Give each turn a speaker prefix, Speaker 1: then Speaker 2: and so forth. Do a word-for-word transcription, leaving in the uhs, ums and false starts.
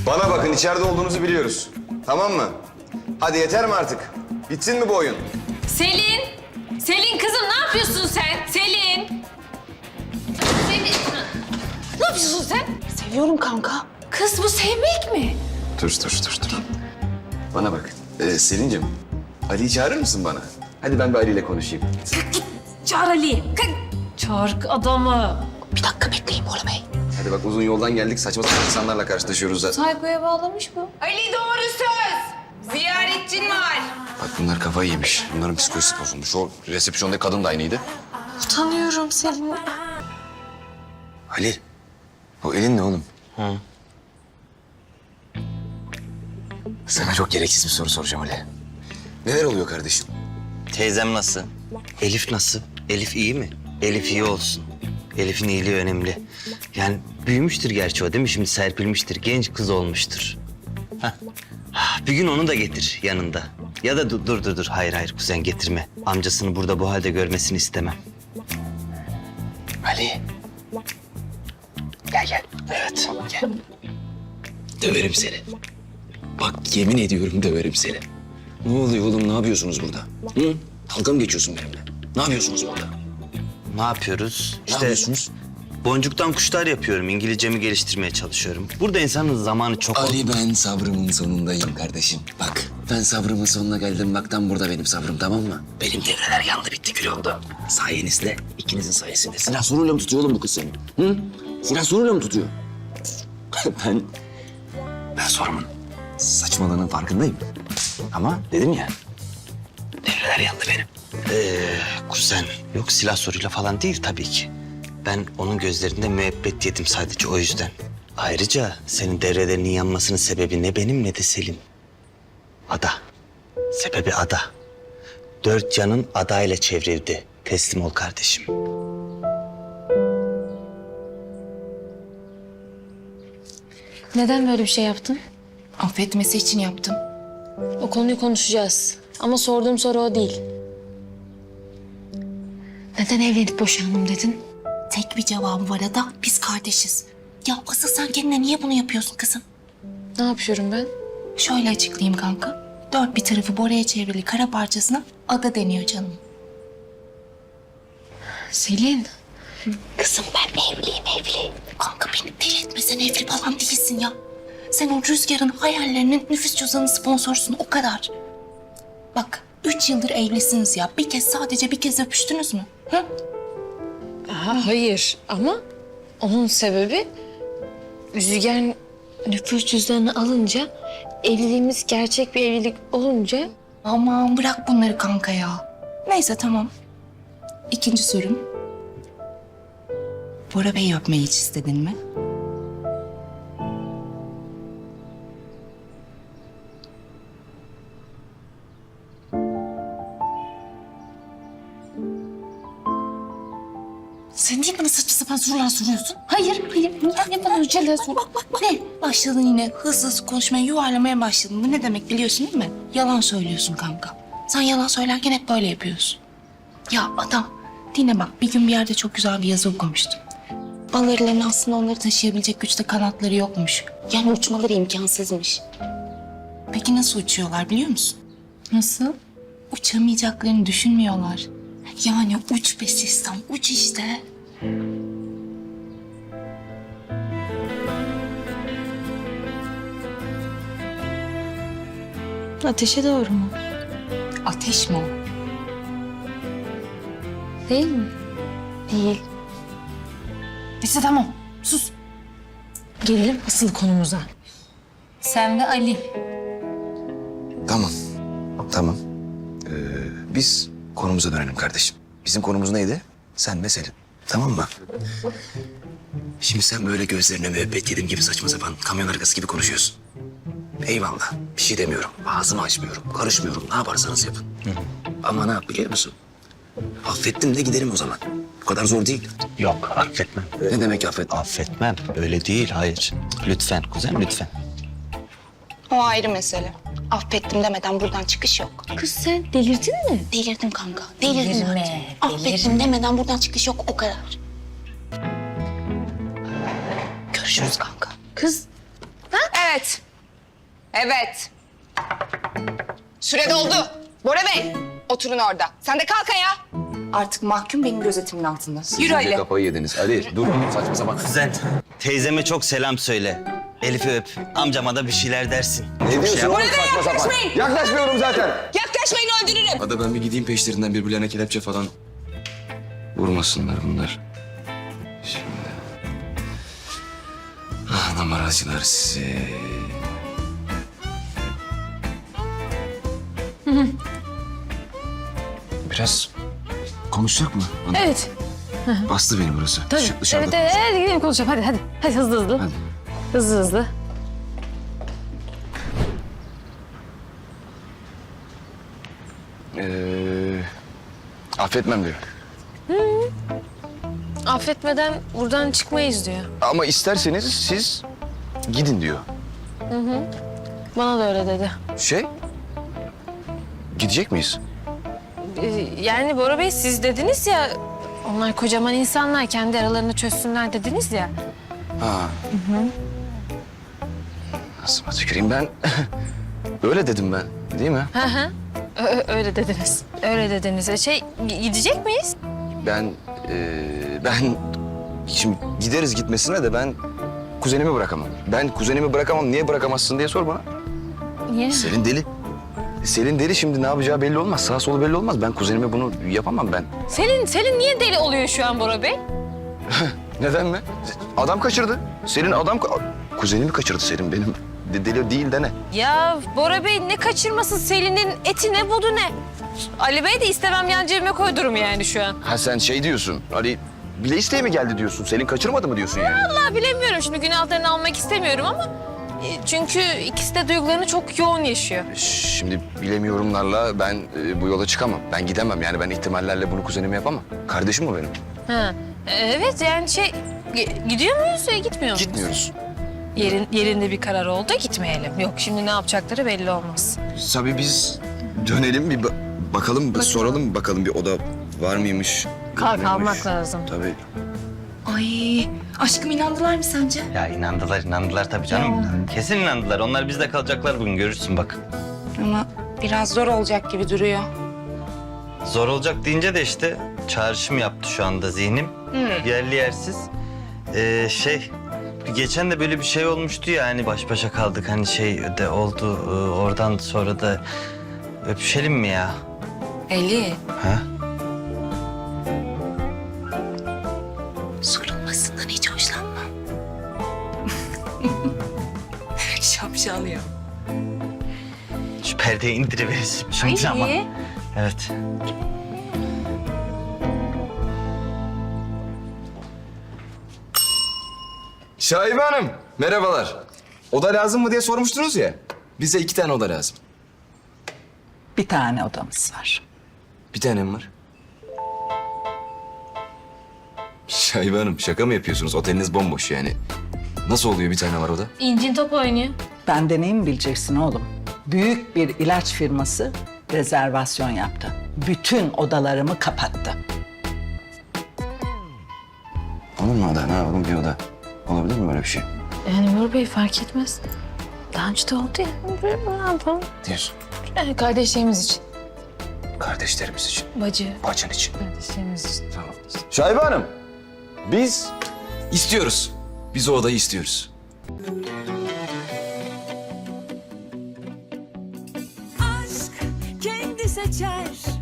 Speaker 1: Bana bakın, içeride olduğunuzu biliyoruz. Tamam mı? Hadi yeter mi artık? Bitsin mi bu oyun?
Speaker 2: Selin! Selin kızım ne yapıyorsun sen? Selin! Selin! Ne yapıyorsun sen?
Speaker 3: Seviyorum kanka.
Speaker 2: Kız bu sevmek mi?
Speaker 1: Dur, dur, dur, dur. Bana bak. Ee, Selin'cim, Ali'yi çağırır mısın bana? Hadi ben bir Ali ile konuşayım.
Speaker 2: Git çağır Ali'yi. Kalk. Çağır adamı.
Speaker 3: Bir dakika bekleyin Bora Bey.
Speaker 1: Hadi bak, uzun yoldan geldik. Saçma sapan insanlarla karşılaşıyoruz zaten.
Speaker 2: Saykoya bağlamış bu.
Speaker 4: Ali doğru söz. Ziyaretçin var.
Speaker 1: Bak bunlar kafayı yemiş. Bunların psikolojisi bozulmuş. O resepsiyondaki kadın da aynıydı.
Speaker 2: Utanıyorum Selin.
Speaker 1: Ali, o elin ne oğlum?
Speaker 5: Hı.
Speaker 1: Sana çok gereksiz bir soru soracağım Ali. Neler oluyor kardeşim?
Speaker 5: Teyzem nasıl? Elif nasıl? Elif iyi mi? Elif iyi olsun. Elif'in iyiliği önemli. Yani büyümüştür gerçi o değil mi? Şimdi serpilmiştir. Genç kız olmuştur. Hah. Bir gün onu da getir yanında. Ya da dur dur dur. dur. Hayır hayır kuzen getirme. Amcasını burada bu halde görmesini istemem.
Speaker 1: Ali.
Speaker 5: Gel gel. Evet gel.
Speaker 1: Döverim seni. Bak yemin ediyorum döverim seni. Ne oluyor oğlum? Ne yapıyorsunuz burada? Hı? Dalga mı geçiyorsun benimle? Ne yapıyorsunuz burada?
Speaker 5: Ne yapıyoruz?
Speaker 1: Ne yapıyorsunuz?
Speaker 5: Boncuktan kuşlar yapıyorum. İngilizcemi geliştirmeye çalışıyorum. Burada insanın zamanı çok...
Speaker 1: Ali, ben sabrımın sonundayım kardeşim. Bak ben sabrımın sonuna geldim. Bak tam burada benim sabrım, tamam mı? Benim devreler yandı bitti kül oldu. Sayenizde, ikinizin sayesinde. Silah soruyla mı tutuyor oğlum bu kız seni? Hı? Silah soruyla mı tutuyor? ben... Ben sorumun saçmalığının farkındayım. Ama dedim ya, devreler yandı benim.
Speaker 5: Ee, kuzen. Yok silah soruyla falan değil tabii ki. Ben onun gözlerinde müebbet yedim sadece o yüzden. Ayrıca senin devrelerinin yanmasının sebebi ne benim ne de Selin. Ada. Sebebi ada. Dört yanın adayla çevrildi. Teslim ol kardeşim.
Speaker 2: Neden böyle bir şey yaptın?
Speaker 3: Affetmesi için yaptım.
Speaker 2: O konuyu konuşacağız. Ama sorduğum soru o değil. Neden evlenip boşandım dedin?
Speaker 3: Tek bir cevabı var Ada. Biz kardeşiz. Ya asıl sen kendine niye bunu yapıyorsun kızım?
Speaker 2: Ne yapıyorum ben?
Speaker 3: Şöyle açıklayayım kanka. Dört bir tarafı Bora'ya çevrili kara parçasına Ada deniyor canım.
Speaker 2: Selin.
Speaker 3: Kızım ben evliyim evli. Kanka beni deli etme, sen evli falan değilsin ya. Sen o Rüzgar'ın hayallerinin nüfus cüzdanı sponsorsun, o kadar. Bak üç yıldır evlisiniz ya. Bir kez, sadece bir kez öpüştünüz mü? Hı?
Speaker 2: Aha, hayır ama onun sebebi Rüzgar nüfus cüzdanını alınca, evliliğimiz gerçek bir evlilik olunca...
Speaker 3: Aman bırak bunları kanka ya. Neyse tamam. İkinci sorum. Bora Bey'i öpmeyi hiç istedin mi? Sen niye bana saçma sapan sorular soruyorsun? Hayır, hayır. Niye bana öyle şeyler sor? Bak, bak, bak. Ne? Başladın yine hızlı hızlı konuşmaya, yuvarlamaya başladın. Bu ne demek biliyorsun değil mi? Yalan söylüyorsun kanka. Sen yalan söylerken hep böyle yapıyorsun. Ya adam, dinle bak. Bir gün bir yerde çok güzel bir yazı okumuştum. Bal arılarının aslında onları taşıyabilecek güçte kanatları yokmuş. Yani uçmaları imkansızmış. Peki nasıl uçuyorlar biliyor musun?
Speaker 2: Nasıl?
Speaker 3: Uçamayacaklarını düşünmüyorlar. Yani uç be sistem, uç işte.
Speaker 2: Ateşe doğru mu?
Speaker 3: Ateş mi o?
Speaker 2: Değil mi? Değil.
Speaker 3: Neyse tamam, sus.
Speaker 2: Gelelim asıl konumuza. Sen ve Ali.
Speaker 1: Tamam, tamam. Ee, biz konumuza dönelim kardeşim. Bizim konumuz neydi? Sen ve Selin. Tamam mı? Şimdi sen böyle gözlerine müebbet yedim gibi saçma sapan kamyon arkası gibi konuşuyorsun. Eyvallah, bir şey demiyorum. Ağzımı açmıyorum, karışmıyorum. Ne yaparsanız yapın. Ama ne yap biliyor musun? Affettim de giderim o zaman. Bu kadar zor değil.
Speaker 5: Yok affetmem.
Speaker 1: Ne demek affet?
Speaker 5: Affetmem. Öyle değil hayır. Lütfen kuzen lütfen.
Speaker 3: O ayrı mesele. Affettim demeden buradan çıkış yok.
Speaker 2: Kız sen delirdin mi?
Speaker 3: Delirdim kanka, delirdim.
Speaker 2: Delirme,
Speaker 3: artık. Affettim demeden buradan çıkış yok, o kadar. Görüşürüz kanka.
Speaker 2: Kız
Speaker 4: Evet. Evet. Evet. Süre doldu. Bora Bey, oturun orada. Sen de kalk ayağa.
Speaker 3: Artık mahkum benim gözetimin altında.
Speaker 4: Yürü Ali.
Speaker 1: Kafayı yediniz. Ali dur saçma sapan.
Speaker 5: Kuzen, teyzeme çok selam söyle. Elif'i öp. Amcama da bir şeyler dersin.
Speaker 1: Ne diyorsun oğlum saçma sapan?
Speaker 4: yaklaşmayın.
Speaker 1: Yaklaşmıyorum zaten.
Speaker 4: Yaklaşmayın, öldürürüm.
Speaker 1: Hadi ben bir gideyim peşlerinden birbirlerine kelepçe falan. Vurmasınlar bunlar. Şimdi. Ah numaracılar sizi. Biraz konuşacak mı? Bana
Speaker 2: Evet.
Speaker 1: bastı beni burası.
Speaker 2: Tabii.
Speaker 1: Dışı- dışarıda
Speaker 2: Evet, evet, hadi gidelim konuşalım. Hadi, hadi. Hadi hızlı hızlı.
Speaker 1: Hadi.
Speaker 2: Hızlı hızlı.
Speaker 1: Ee, affetmem diyor.
Speaker 2: Affetmeden buradan çıkmayız diyor.
Speaker 1: Ama isterseniz siz gidin diyor.
Speaker 2: Bana da öyle dedi.
Speaker 1: Şey, gidecek miyiz?
Speaker 2: Ee, Yani Bora Bey siz dediniz ya... Onlar kocaman insanlar, kendi aralarını çözsünler dediniz ya.
Speaker 1: Ha. Nasıl tüküreyim ben? Öyle dedim ben, değil mi?
Speaker 2: Hı hı. Ö- ö- öyle dediniz. Öyle dediniz. E, Şey, gi- gidecek miyiz?
Speaker 1: Ben, e, ben şimdi gideriz gitmesine de ben kuzenimi bırakamam. Ben kuzenimi bırakamam. Niye bırakamazsın diye sor bana.
Speaker 2: Niye?
Speaker 1: Selin deli. Selin deli şimdi ne yapacağı belli olmaz. Sağ solu belli olmaz. Ben kuzenime bunu yapamam ben.
Speaker 2: Selin, Selin niye deli oluyor şu an Bora Bey?
Speaker 1: Neden mi? Adam kaçırdı. Selin adam... ka- Kuzenimi kaçırdı Selin benim. De- Deli değil de ne?
Speaker 2: Ya Bora Bey ne kaçırması, Selin'in eti ne budu ne? Ali Bey de istemem yan cebime koydurum yani şu an.
Speaker 1: Ha sen şey diyorsun. Ali bile isteye mi geldi diyorsun? Selin kaçırmadı mı diyorsun yani?
Speaker 2: Vallahi bilemiyorum, şimdi günahlarını almak istemiyorum ama... e, Çünkü ikisi de duygularını çok yoğun yaşıyor.
Speaker 1: Şimdi bilemiyorumlarla ben e, bu yola çıkamam. Ben gidemem yani ben ihtimallerle bunu kuzenime yapamam. Kardeşim o benim.
Speaker 2: Ha. e, Evet yani şey... gi- Gidiyor muyuz ya gitmiyor muyuz?
Speaker 1: Gitmiyoruz.
Speaker 2: Yerin, yerinde bir karar oldu, gitmeyelim. Yok şimdi ne yapacakları belli olmaz.
Speaker 1: Tabii biz dönelim bir ba- bakalım, bir soralım bakalım bir oda var mıymış?
Speaker 2: Kalk
Speaker 1: Yok muymuş?
Speaker 2: almak lazım.
Speaker 1: Tabii.
Speaker 3: Ay aşkım inandılar mı sence?
Speaker 5: Ya inandılar, inandılar tabii canım. Kesin inandılar. Onlar bizde kalacaklar bugün, görürsün bak.
Speaker 3: Ama biraz zor olacak gibi duruyor.
Speaker 5: Zor olacak deyince de işte çağrışım yaptı şu anda zihnim. Yerli yersiz. Ee, şey, geçen de böyle bir şey olmuştu ya, hani baş başa kaldık. Hani şey de oldu, ee, oradan sonra da öpüşelim mi ya?
Speaker 3: Eli.
Speaker 5: Ha?
Speaker 3: Sorulmasından hiç hoşlanmam. Şapşal ya.
Speaker 5: Şu perdeyi indiriverirsin şimdi ama. Evet.
Speaker 1: Şahibe Hanım, merhabalar. Oda lazım mı diye sormuştunuz ya. Bize iki tane oda lazım.
Speaker 6: Bir tane odamız var.
Speaker 1: Bir tane mi var? Şahibe Hanım, şaka mı yapıyorsunuz? Oteliniz bomboş yani. Nasıl oluyor bir tane var oda?
Speaker 2: İncin top oynuyor.
Speaker 6: Benden iyi mi bileceksin oğlum? Büyük bir ilaç firması rezervasyon yaptı. Bütün odalarımı kapattı.
Speaker 1: Olur mu oda? Ne yapalım bir oda? Olabilir mi böyle bir şey?
Speaker 2: Yani Bora Bey fark etmez. Daha önce de oldu ya. Ne yapalım?
Speaker 1: Diyorsun.
Speaker 2: Yani kardeşlerimiz için.
Speaker 1: Kardeşlerimiz için,
Speaker 2: Bacı.
Speaker 1: bacın için.
Speaker 2: Kardeşlerimiz için.
Speaker 1: Tamam. Şahibe Hanım, biz istiyoruz. Biz o odayı istiyoruz.
Speaker 7: aşk kendi seçer